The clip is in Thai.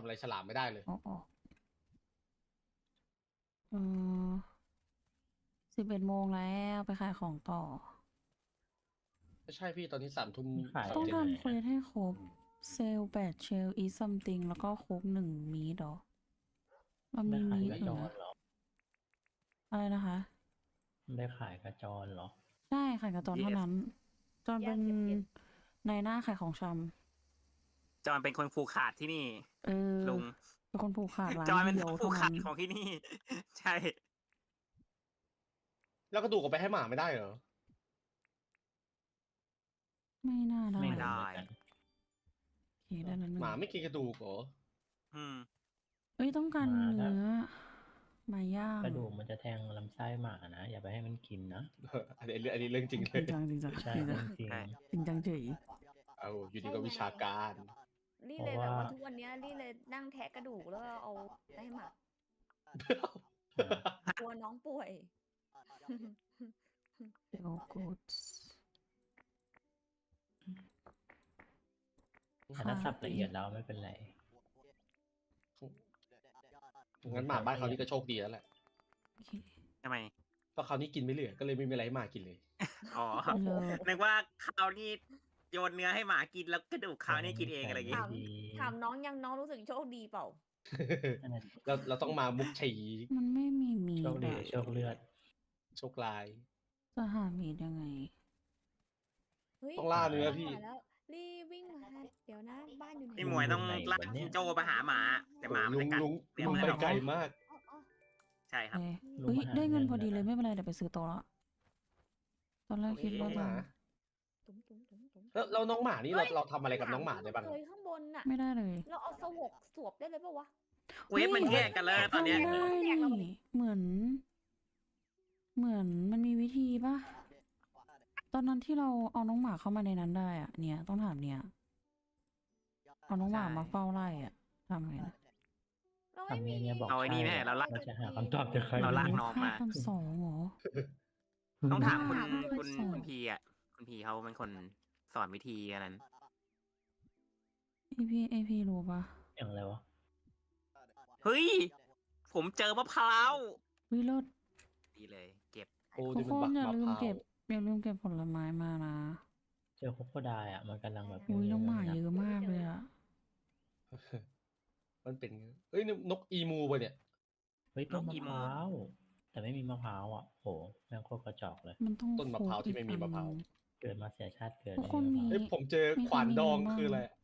ำอะไรฉลามไม่ได้เลยอ๋อเออ11 โมงแล้วไปขายของต่อไม่ใช่พี่ตอนนี้3 ทุ่มขายต้อง 37 ทำเควสให้ครบเซล8เชลอีซัมติงแล้วก็ครบ1 มีดหรอเรามีได้ขายมีดกระอยู่จรนะเหรออะไรนะคะได้ขายกระจรเหรอใช่ขายกับจอนเท่านั้น จอนเป็นนายหน้าขายของชจอนเป็นคนผูกขาดที่นี่ำลุงเป็นคนผูกขาดร้านจอนเป็นเดียวผูเท่ากขานั้ดนของที่นี่ ใช่แล้วกระดูกเอาไปให้หมาไม่ได้เหรอไม่น่าได้ไม่ไม่ได้รู้เหมือนกันโอเคได้แล้วหนึ่หงมาไม่กินกระดูกเหรออืมเอ้ยต้องการหมาเนื้อมาย่างกระดูกมันจะแทงลำไส้หมานะ อย่าไปให้มันกินนะอันนี้เรื่องจริงเลจริยงจังจริงจังใช่จริงจังจริงใช่จริงจังเฉยเอาอยู่ดีก็วิชาการลี่เพเลยราะแบบว่าว่าทุกวันเนี้ยลี่เลยนั่งแทะกระดูกแล้วเอาไปให้หมากลัวน้องป่วยเดี๋ยวกูดแต่ถ้าสับละเอียดแล้วไม่เป็นไรงั้นหมาบ้านเขานี่ก็โชคดีแล้วแหละโอเคทำไมเพราะเขาวนี่กินไม่เหลือ ก็เลยไม่มีอะไรให้หมากินเลยอ๋อเลิศนึกว่าข้าวนี่โยนเนื้อให้หมากินแล้วกระดูกข้าวนี่กินเองอะไรอย่างงี้ถาม ถามน้องยังน้องรู้สึกโชคดีเปล่านั่นน่ะดิเราต้องมามุกฉีมันไม่มีมีโชคดดีอะโชคเลือดโชคลายจะหามีดยังไงเฮ้ยต้องล่าเนื้อพี่มาแล้วลี่วิ่งมาเดี๋ยวนะบ้านอยู่ไหนพี่หมวยต้องลากจิงโจ้ไปหาหมา แต่หมามันลุจะงกัดลุงเนื้อลุงมันไปออกไกลมากอ๋ออ๋อใช่ครับเอ้ยลุงเฮ้ยมาหาได้เงินเงินพอดีเลยแล้วนะไม่เป็นไรเดี๋ยวไปซื้อโต๊ะละตอนแรกคิดว่าหจะมาตุ๋มตุ๋มตุ๋มตุ๋มแล้วน้องหมานี่เราทำอะไรกับน้องหมาได้บ้างเลยข้างบนน่ะไม่ได้เลยเราเอาสวกสวบได้เลยปะวะเวฟมันแยกกันแล้วตอนเนี้ยทำได้นี่เหมือนมันมีวิธีปะตอนนั้นที่เราเอาน้องหมาเข้ามาในนั้นได้อะเนี่ยต้องถามเนี่ยเอาน้องหมามาเฝ้าไล่อะทำไงนะเราไม่ทำมีไงเนี่ยบอกเอาไอ้นี่แน่เราลากเราจะหาคำตอบจากใครเราลากน้องมา 5,200เหรอต้องถามคุณถามด้วยคุณสอนคุณพีอ่ะ คุณพีเขาเป็นคนสอนวิธีอันนั้นไอพีรู้ปะอย่างไรวะเฮ้ย ผมเจอมะพร้าววิโรดดีเลย เก็บโอ้ทุนี่กมันคนบักอย่ามะลืพมร้าวเก็บผลไม้มานะเจอโคโคไดอ่ะ มันกำลังแบบอุ้ยน้องหมาเยอะมากเลยอะมันเป็นเอ้ยนี่นกอีมูป่ะเนี่ยเฮ้ยต้นนกมะอีพโมร้าว แต่ไม่มีมะพร้าวอ่ะโหแม่งโคตรกระจอกเลยมันต้องต้นมะพร้าวที่ไม่มีมะพร้าวโคกอีกอันเกิดมาเสียชาติเกิดทุกคนมีเฮ้ยผมเจอมีขวานดองใครมีคืออะไรบ้าง